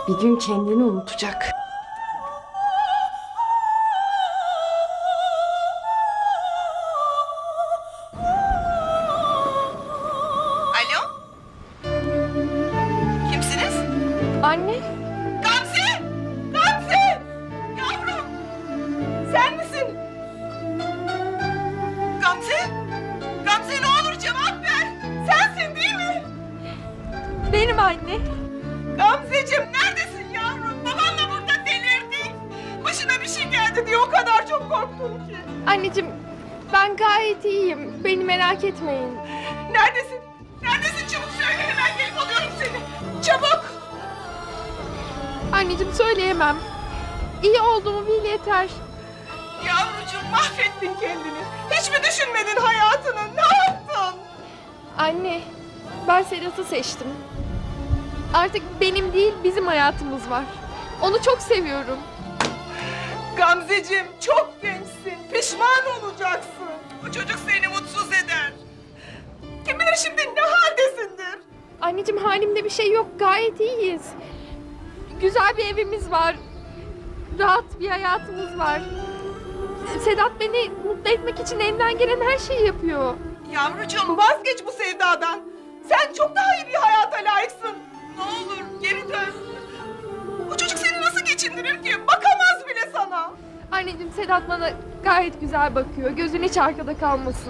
Bir gün kendini unutacak. Alo? Kimsiniz? Anne, Gamze! Gamze! Yavrum! Sen misin? Gamze? Gamze ne olur cevap ver! Sensin değil mi? benim anne. Gamzeciğim neredesin yavrum? Babanla burada delirdik. Başına bir şey geldi diye o kadar çok korktum ki. Anneciğim, ben gayet iyiyim. Beni merak etmeyin. Neredesin? Neredesin? Çabuk söyle hemen gelip alıyorum seni. Çabuk! Anneciğim söyleyemem. İyi olduğumu bil yeter. Yavrucuğum mahvettin kendini. Hiç mi düşünmedin hayatını? Ne yaptın? Anne, ben Sedat'ı seçtim. Artık benim değil, bizim hayatımız var. Onu çok seviyorum. Gamzeciğim çok gençsin. Pişman olacaksın. Bu çocuk seni mutsuz eder. Kim bilir şimdi ne haldesindir. Anneciğim halimde bir şey yok, gayet iyiyiz. Güzel bir evimiz var. Rahat bir hayatımız var. Sedat beni mutlu etmek için elinden gelen her şeyi yapıyor. Yavrucuğum vazgeç bu sevdadan. Sen çok daha iyi bir hayata layıksın. Ne olur geri dön. Bu çocuk seni nasıl geçindirir ki? Bakamaz bile sana. Anneciğim Sedat bana gayet güzel bakıyor. Gözün hiç arkada kalmasın.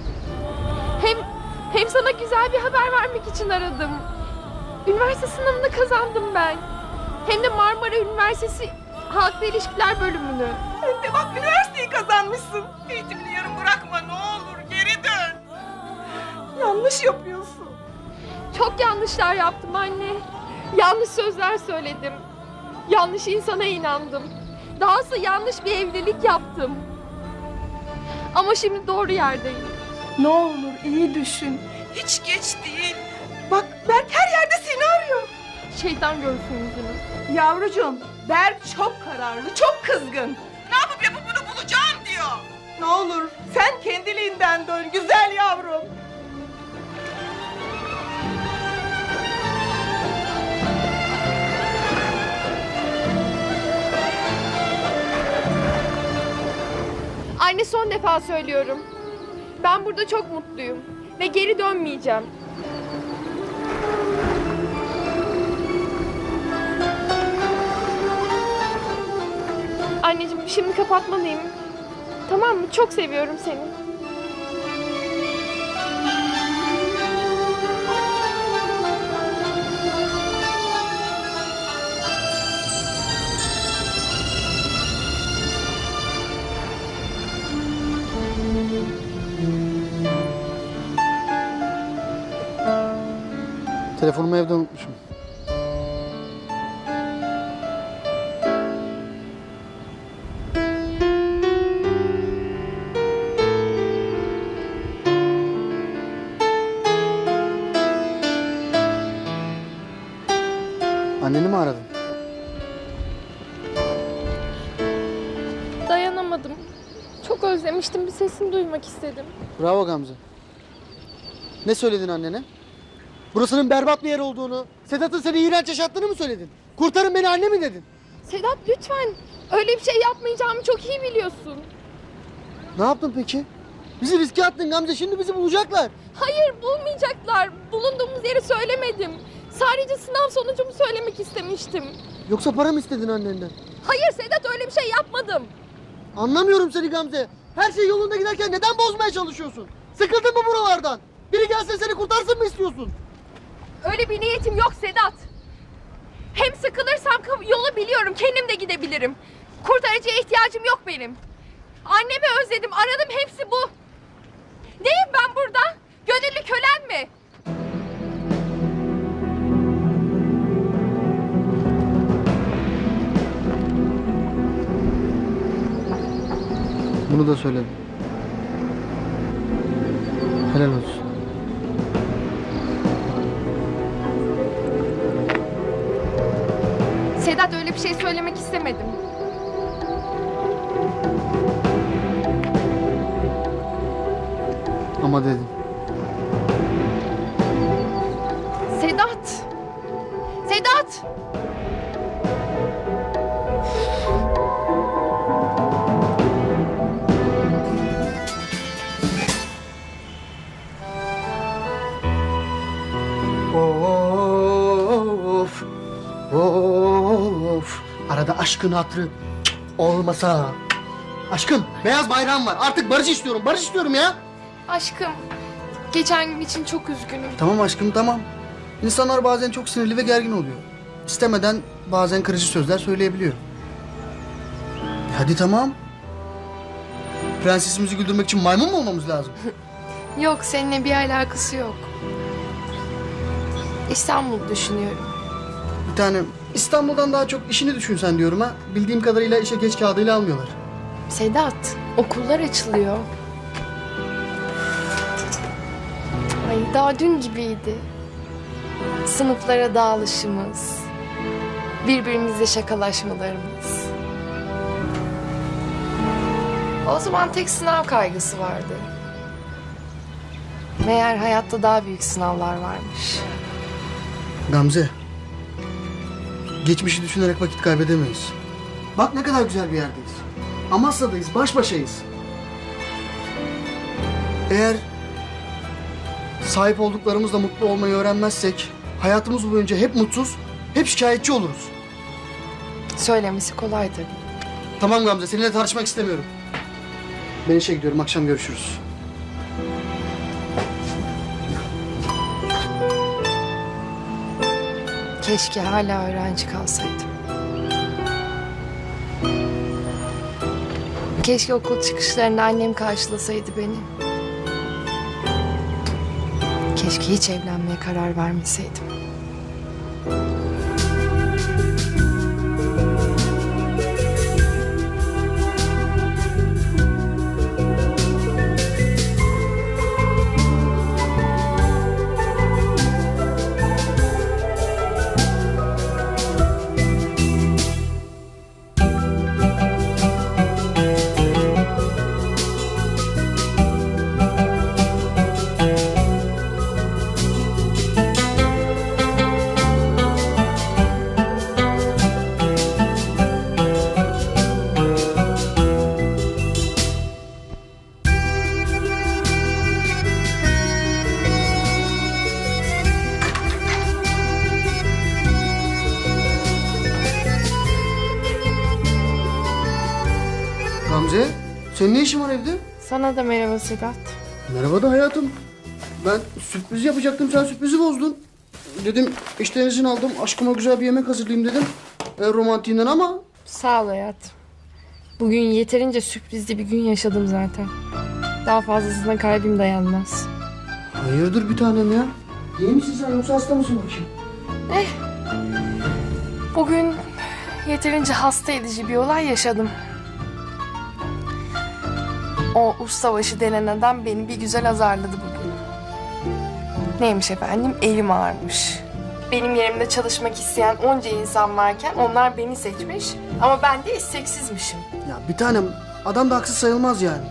Hem sana güzel bir haber vermek için aradım. Üniversite sınavını kazandım ben. Hem de Marmara Üniversitesi Halkla İlişkiler bölümünü. Hem de bak üniversiteyi kazanmışsın. Eğitimini yarım bırakma ne olur geri dön. Yanlış yapıyorsun. Çok yanlışlar yaptım anne. Yanlış sözler söyledim. Yanlış insana inandım. Dahası yanlış bir evlilik yaptım. Ama şimdi doğru yerdeyim. Ne olur iyi düşün. Hiç geç değil. Bak Berk her yerde seni arıyor. Şeytan görsün yüzünü. Yavrucuğum Berk çok kararlı, çok kızgın. Ne yapıp bunu bulacağım diyor. Ne olur sen kendiliğinden dön güzel yavrum. Anne son defa söylüyorum. Ben burada çok mutluyum. Ve geri dönmeyeceğim. Anneciğim şimdi kapatmalıyım. Tamam mı? Çok seviyorum seni. Telefonumu evde unutmuşum. Anneni mi aradın? Dayanamadım. Çok özlemiştim. Bir sesini duymak istedim. Bravo Gamze. Ne söyledin annene? Burasının berbat bir yer olduğunu, Sedat'ın seni iğrenç yaşattığını mı söyledin? Kurtarın beni anne mi dedin? Sedat lütfen. Öyle bir şey yapmayacağımı çok iyi biliyorsun. Ne yaptın peki? Bizi riske attın Gamze, şimdi bizi bulacaklar. Hayır bulmayacaklar. Bulunduğumuz yeri söylemedim. Sadece sınav sonucumu söylemek istemiştim. Yoksa para mı istedin annenden? Hayır Sedat öyle bir şey yapmadım. Anlamıyorum seni Gamze. Her şey yolunda giderken neden bozmaya çalışıyorsun? Sıkıldın mı buralardan? Biri gelse seni kurtarsın mı istiyorsun? Öyle bir niyetim yok Sedat. Hem sıkılırsam yolu biliyorum. Kendim de gidebilirim. Kurtarıcıya ihtiyacım yok benim. Annemi özledim. Aradım hepsi bu. Neyim ben burada? Gönüllü kölen mi? Bunu da söyledim. Helal olsun. Sedat öyle bir şey söylemek istemedim. Ama dedim. Sedat! Sedat! aşkın hatırı olmasa. Aşkım, beyaz bayrağım var. Artık barış istiyorum. Barış istiyorum ya. Aşkım, geçen gün için çok üzgünüm. Tamam aşkım, tamam. İnsanlar bazen çok sinirli ve gergin oluyor. İstemeden bazen kırıcı sözler söyleyebiliyor. Hadi tamam. Prensesimizi güldürmek için maymun mu olmamız lazım? Yok, seninle bir alakası yok. İstanbul'u düşünüyorum. Bir tane İstanbul'dan daha çok işini düşünsen diyorum ha. Bildiğim kadarıyla işe geç kağıdıyla almıyorlar. Sedat, okullar açılıyor. Ay, daha dün gibiydi. Sınıflara dağılışımız, birbirimizle şakalaşmalarımız. O zaman tek sınav kaygısı vardı. Meğer hayatta daha büyük sınavlar varmış. Gamze. Geçmişi düşünerek vakit kaybedemeyiz. Bak ne kadar güzel bir yerdeyiz. Amasya'dayız, baş başayız. Eğer sahip olduklarımızla mutlu olmayı öğrenmezsek hayatımız boyunca hep mutsuz, hep şikayetçi oluruz. Söylemesi kolay tabii. Tamam Gamze, seninle tartışmak istemiyorum. Ben işe gidiyorum, akşam görüşürüz. Keşke hala öğrenci kalsaydım. Keşke okul çıkışlarında annem karşılasaydı beni. Keşke hiç evlenmeye karar vermeseydim. Gamze, senin ne işin var evde? Sana da merhaba Sedat. Merhaba da hayatım. Ben sürpriz yapacaktım, sen sürprizi bozdun. Dedim işten izin aldım, aşkıma güzel bir yemek hazırlayayım dedim. Romantiğinden ama... Sağ ol hayatım. Bugün yeterince sürprizli bir gün yaşadım zaten. Daha fazlasına kalbim dayanmaz. Hayırdır bir tanem ya? İyi misin sen yoksa hasta mısın bakayım? Bugün yeterince hasta edici bir olay yaşadım. O ustabaşı denen adam beni bir güzel azarladı bugün. Neymiş efendim? Elim ağrımış. Benim yerimde çalışmak isteyen onca insan varken onlar beni seçmiş. Ama ben de isteksizmişim. Ya bir tanem, adam da haksız sayılmaz yani.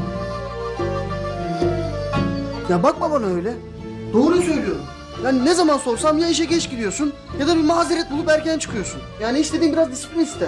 Ya bakma bana öyle. Doğruyu söylüyorum. Yani ne zaman sorsam ya işe geç gidiyorsun ya da bir mazeret bulup erken çıkıyorsun. Yani istediğin biraz disiplin ister.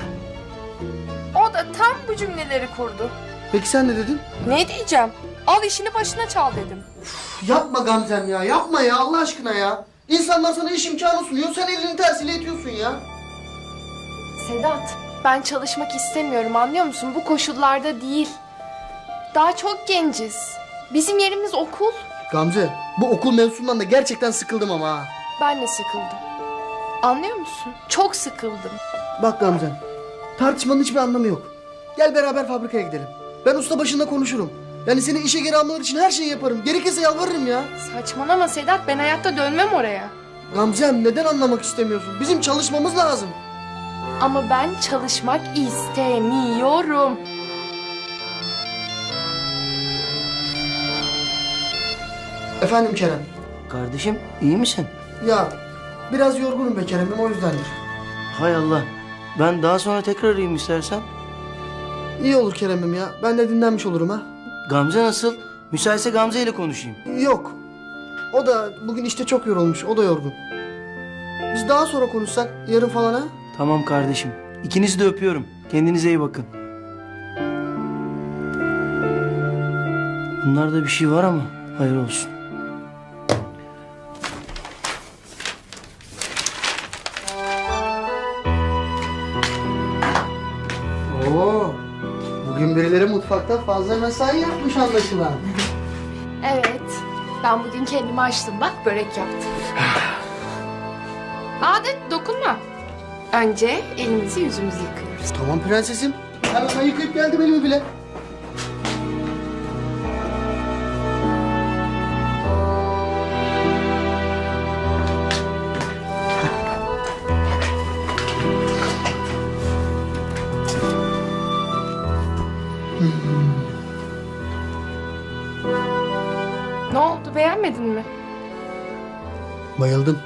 O da tam bu cümleleri kurdu. Peki sen ne dedin? Ne diyeceğim? Al işini başına çal dedim. Yapma Gamzem ya, yapma ya Allah aşkına ya. İnsanlar sana iş imkanı sunuyor, sen elinin tersiyle itiyorsun ya. Sedat, ben çalışmak istemiyorum, anlıyor musun? Bu koşullarda değil. Daha çok genciz. Bizim yerimiz okul. Gamze, bu okul mevzusundan da gerçekten sıkıldım ama ha. Ben de sıkıldım. Anlıyor musun? Çok sıkıldım. Bak Gamzem, tartışmanın hiçbir anlamı yok. Gel beraber fabrikaya gidelim. Ben usta başında konuşurum. Yani seni işe geri almaları için her şeyi yaparım. Gerekirse yalvarırım ya. Saçmalama Sedat, ben hayatta dönmem oraya. Gamzem, neden anlamak istemiyorsun? Bizim çalışmamız lazım. Ama ben çalışmak istemiyorum. Efendim Kerem. Kardeşim iyi misin? Ya biraz yorgunum be Kerem'im, o yüzdendir. Hay Allah. Ben daha sonra tekrar arayayım istersen. İyi olur Kerem'im ya. Ben de dinlenmiş olurum ha. Gamze nasıl? Müsaitse Gamze ile konuşayım. Yok. O da bugün işte çok yorulmuş. O da yorgun. Biz daha sonra konuşsak yarın falan ha? Tamam kardeşim. İkinizi de öpüyorum. Kendinize iyi bakın. Bunlarda bir şey var ama hayır olsun. Bugün birileri mutfakta fazla mesai yapmış anlaşılan. Evet. Ben bugün kendimi açtım. Bak börek yaptım. Adet dokunma. Önce elimizi yüzümüzü yıkıyoruz. Tamam prensesim. Ben yıkayıp geldim elimi bile. Ne oldu, beğenmedin mi? Bayıldım.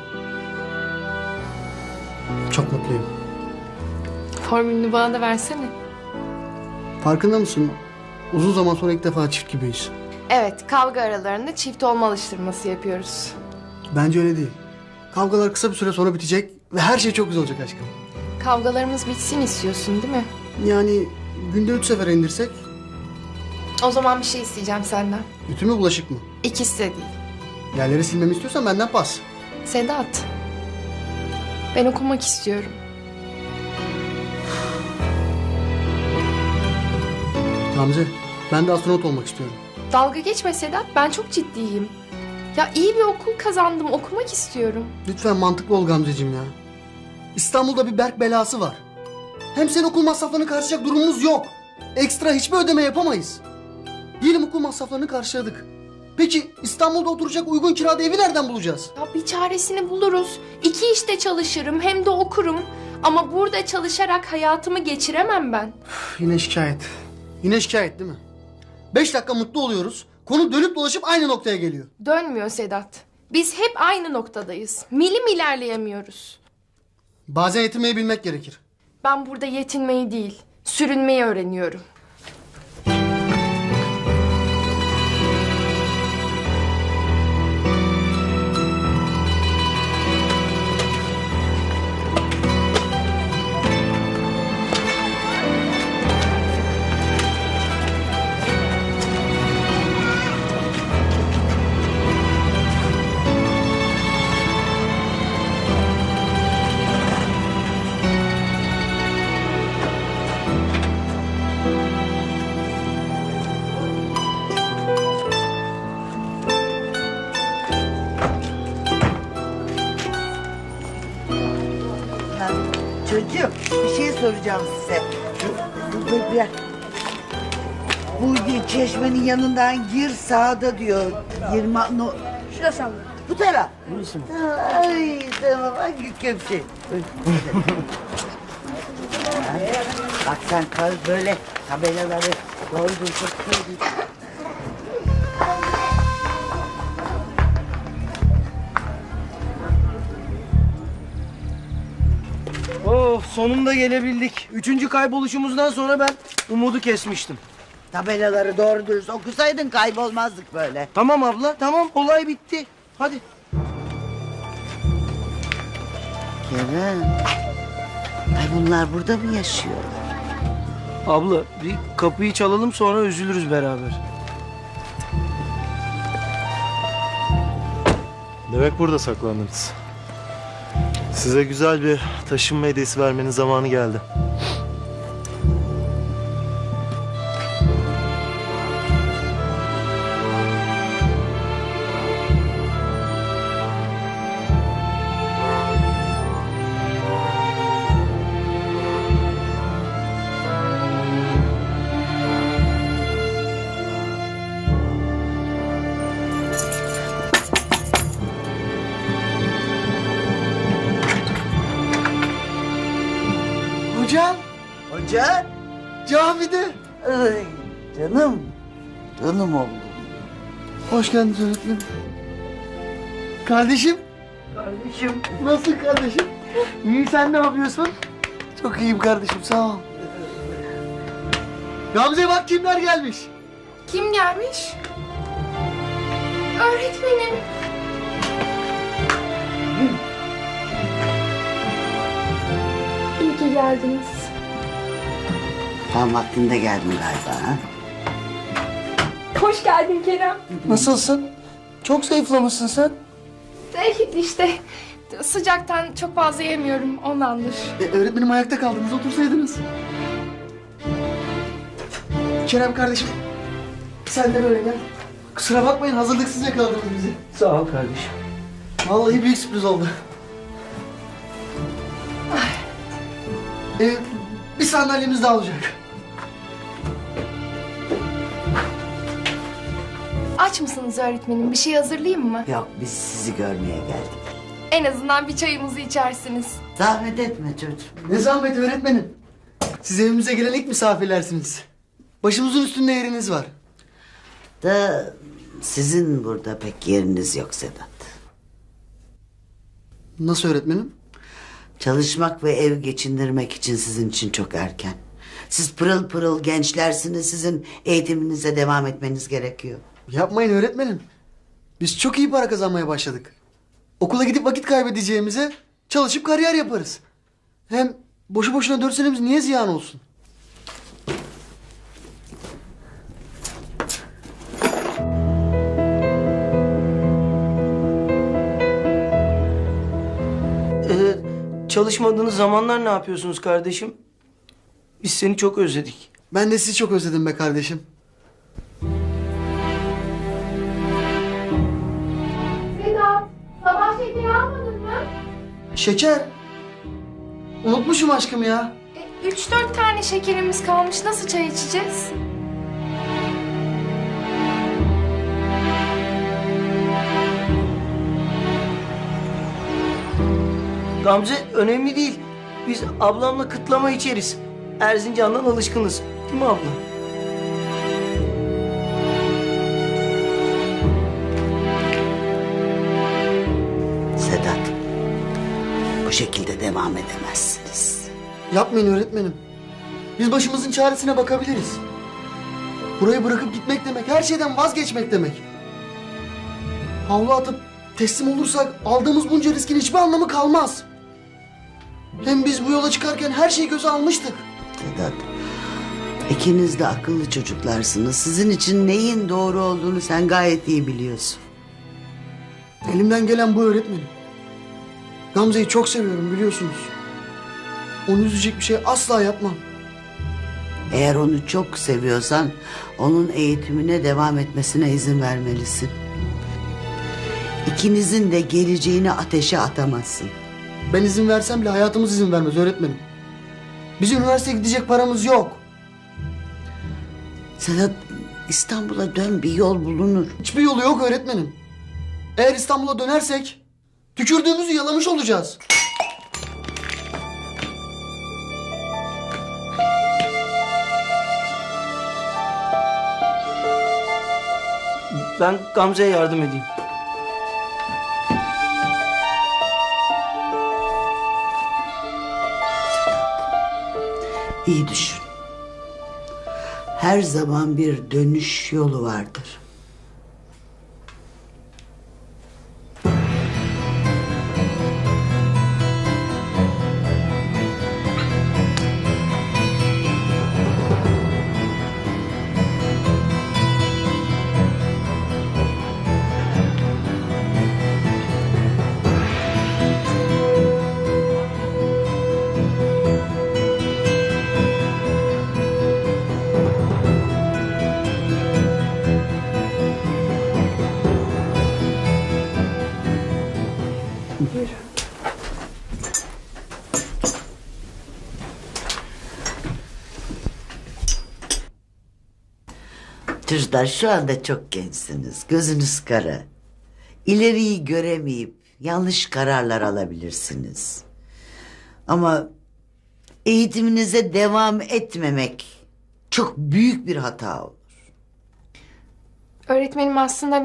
Çok mutluyum. Formülünü bana da versene. Farkında mısın? Uzun zaman sonra ilk defa çift gibiyiz. Evet, kavga aralarında çift olma alıştırması yapıyoruz. Bence öyle değil. Kavgalar kısa bir süre sonra bitecek ve her şey çok güzel olacak aşkım. Kavgalarımız bitsin istiyorsun değil mi? Yani günde 3 sefer indirsek, O zaman bir şey isteyeceğim senden. ütü mü bulaşık mı? İkisi de değil. Yerleri silmemi istiyorsan benden pas. Sedat, ben okumak istiyorum. Gamze, ben de astronot olmak istiyorum. Dalga geçme Sedat, ben çok ciddiyim. Ya iyi bir okul kazandım, okumak istiyorum. Lütfen mantıklı ol Gamzeciğim ya. İstanbul'da bir Berk belası var. Hem senin okul masraflarını karşılayacak durumumuz yok. Ekstra hiçbir ödeme yapamayız. Diyelim okul masraflarını karşıladık. Peki İstanbul'da oturacak uygun kirada evi nereden bulacağız? Ya bir çaresini buluruz. 2 işte çalışırım, hem de okurum. Ama burada çalışarak hayatımı geçiremem ben. Yine şikayet. Yine şikayet değil mi? 5 dakika mutlu oluyoruz. Konu dönüp dolaşıp aynı noktaya geliyor. Dönmüyor Sedat. Biz hep aynı noktadayız. Milim ilerleyemiyoruz. Bazen yetinmeyi bilmek gerekir. Ben burada yetinmeyi değil, sürünmeyi öğreniyorum. Çocuğum bir şey soracağım size. Dur bir. Bu çeşmenin yanından gir sağda diyor. 20 no. Şurası abla. Bu taraf. Ay tamam hangi köpçe? Bak sen kal böyle tabelaları doldursak söyle. Oh, sonunda gelebildik. 3. kayboluşumuzdan sonra ben umudu kesmiştim. Tabelaları doğru dürüst okusaydın kaybolmazdık böyle. Tamam abla, tamam. Olay bitti. Hadi. Kerem. Ay bunlar burada mı yaşıyor? Abla, bir kapıyı çalalım sonra üzülürüz beraber. Demek burada saklandınız. Size güzel bir taşınma hediyesi vermenin zamanı geldi. Hocam, Hoca. camide. Ay canım. Canım oğlum. Hoş geldiniz öğretmenim. Kardeşim. Kardeşim. Nasıl kardeşim? İyi, sen ne yapıyorsun? Çok iyiyim kardeşim, sağ ol. Gamze bak kimler gelmiş. Kim gelmiş? Öğretmenim. İyi ki geldiniz. Tam vaktinde geldin galiba ha? Hoş geldin Kerem. Nasılsın? Çok zayıflamışsın sen. İşte sıcaktan çok fazla yemiyorum ondandır. Öğretmenim ayakta kaldınız, otursaydınız. Kerem kardeşim, sen de böyle gel. Kusura bakmayın, hazırlıksız yakaladınız bizi. Sağ ol kardeşim. Vallahi büyük sürpriz oldu. Bir sandalyemiz daha olacak. Aç mısınız öğretmenim? Bir şey hazırlayayım mı? Yok, biz sizi görmeye geldik. En azından bir çayımızı içersiniz. Zahmet etme çocuğum. Ne zahmet öğretmenim. Siz evimize gelen ilk misafirlersiniz. Başımızın üstünde yeriniz var. Da sizin burada pek yeriniz yok Sedat. Nasıl öğretmenim? Çalışmak ve ev geçindirmek için sizin için çok erken. Siz pırıl pırıl gençlersiniz, sizin eğitiminize devam etmeniz gerekiyor. Yapmayın öğretmenim. Biz çok iyi para kazanmaya başladık. Okula gidip vakit kaybedeceğimize çalışıp kariyer yaparız. Hem boşu boşuna 4 senemiz niye ziyan olsun? Çalışmadığınız zamanlar ne yapıyorsunuz kardeşim? Biz seni çok özledik. Ben de sizi çok özledim be kardeşim. Sedat, sabah şekeri almadın mı? Şeker. Unutmuşum aşkım ya. 3-4 tane şekerimiz kalmış. Nasıl çay içeceğiz? Gamze önemli değil. Biz ablamla kıtlama içeriz. Erzincan'dan alışkınız. Değil mi abla? Sedat, bu şekilde devam edemezsiniz. Yapmayın öğretmenim. Biz başımızın çaresine bakabiliriz. Burayı bırakıp gitmek demek, her şeyden vazgeçmek demek. Havlu atıp teslim olursak aldığımız bunca riskin hiçbir anlamı kalmaz. Hem biz bu yola çıkarken her şeyi göze almıştık. Sedat, ikiniz de akıllı çocuklarsınız. Sizin için neyin doğru olduğunu sen gayet iyi biliyorsun. Elimden gelen bu öğretmenim. Gamze'yi çok seviyorum biliyorsunuz. Onu üzecek bir şey asla yapmam. Eğer onu çok seviyorsan onun eğitimine devam etmesine izin vermelisin. İkinizin de geleceğini ateşe atamazsın. Ben izin versem bile hayatımız izin vermez öğretmenim. Biz üniversiteye gidecek paramız yok. Sedat, İstanbul'a dön, bir yol bulunur. Hiçbir yolu yok öğretmenim. Eğer İstanbul'a dönersek tükürdüğümüzü yalamış olacağız. Ben Gamze'ye yardım edeyim. İyi düşün. Her zaman bir dönüş yolu vardır. Çocuklar, şu anda çok gençsiniz. Gözünüz kara. İleriyi göremeyip yanlış kararlar alabilirsiniz. Ama eğitiminize devam etmemek çok büyük bir hata olur. Öğretmenim aslında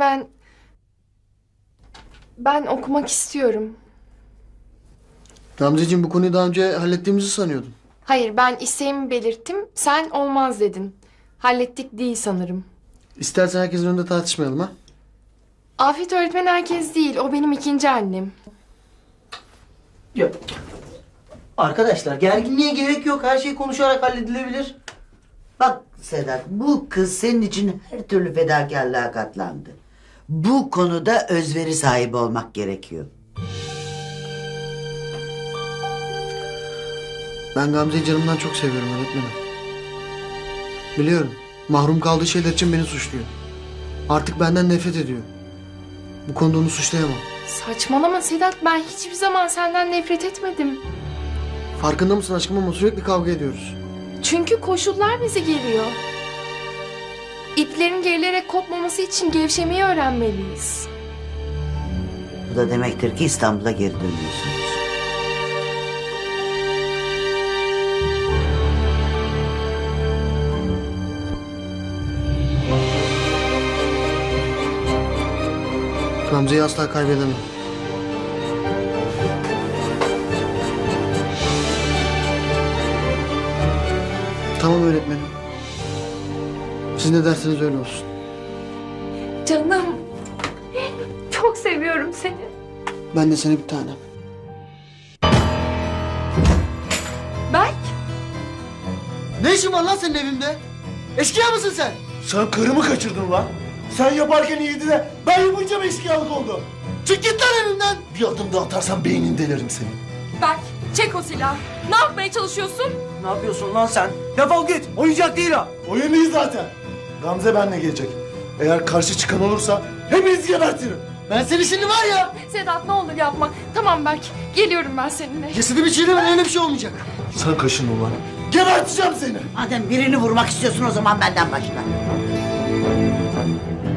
ben okumak istiyorum. Gamzeciğim, bu konuyu daha önce hallettiğimizi sanıyordum. Hayır, ben isteğimi belirttim. Sen olmaz dedin. Hallettik değil sanırım. İstersen herkesin önünde tartışmayalım ha. Afet öğretmen herkes değil. O benim ikinci annem. Ya, arkadaşlar gerginliğe gerek yok. Her şey konuşarak halledilebilir. Bak Sedat, bu kız senin için her türlü fedakarlığa katlandı. Bu konuda özveri sahibi olmak gerekiyor. Ben Gamze'yi canımdan çok seviyorum öğretmenim. Biliyorum. Mahrum kaldığı şeyler için beni suçluyor. Artık benden nefret ediyor. Bu konuda onu suçlayamam. Saçmalama Sedat, ben hiçbir zaman senden nefret etmedim. Farkında mısın aşkım ama sürekli kavga ediyoruz. Çünkü koşullar bizi geriyor. İplerin gerilerek kopmaması için gevşemeyi öğrenmeliyiz. Bu da demektir ki İstanbul'a geri dönüyorsunuz. Gamze'yi asla kaybedemem. Tamam öğretmenim. Siz ne derseniz öyle olsun. Canım, çok seviyorum seni. Ben de seni bir tanem. Berk, Ne işin var lan senin evimde? Eşkıya mısın sen? Sen karımı kaçırdın lan. Sen yaparken iyiydi de ben yapınca mı eşkıyalık oldu? Çık git lan evimden. Bir adım daha atarsan beynini delerim seni. Berk, çek o silahı. Ne yapmaya çalışıyorsun? Ne yapıyorsun lan sen? Defol git. Oyuncak değil o. Oyun değil zaten. Gamze benimle gelecek. Eğer karşı çıkan olursa hepinizi gebertirim. Ben seni şimdi var ya. Sedat ne olur yapma. Tamam Berk, geliyorum ben seninle. Cesedimi çiğnemen öyle bir şey olmayacak. Sen kaşın ulan. Geberteceğim seni. Madem birini vurmak istiyorsun o zaman benden başla.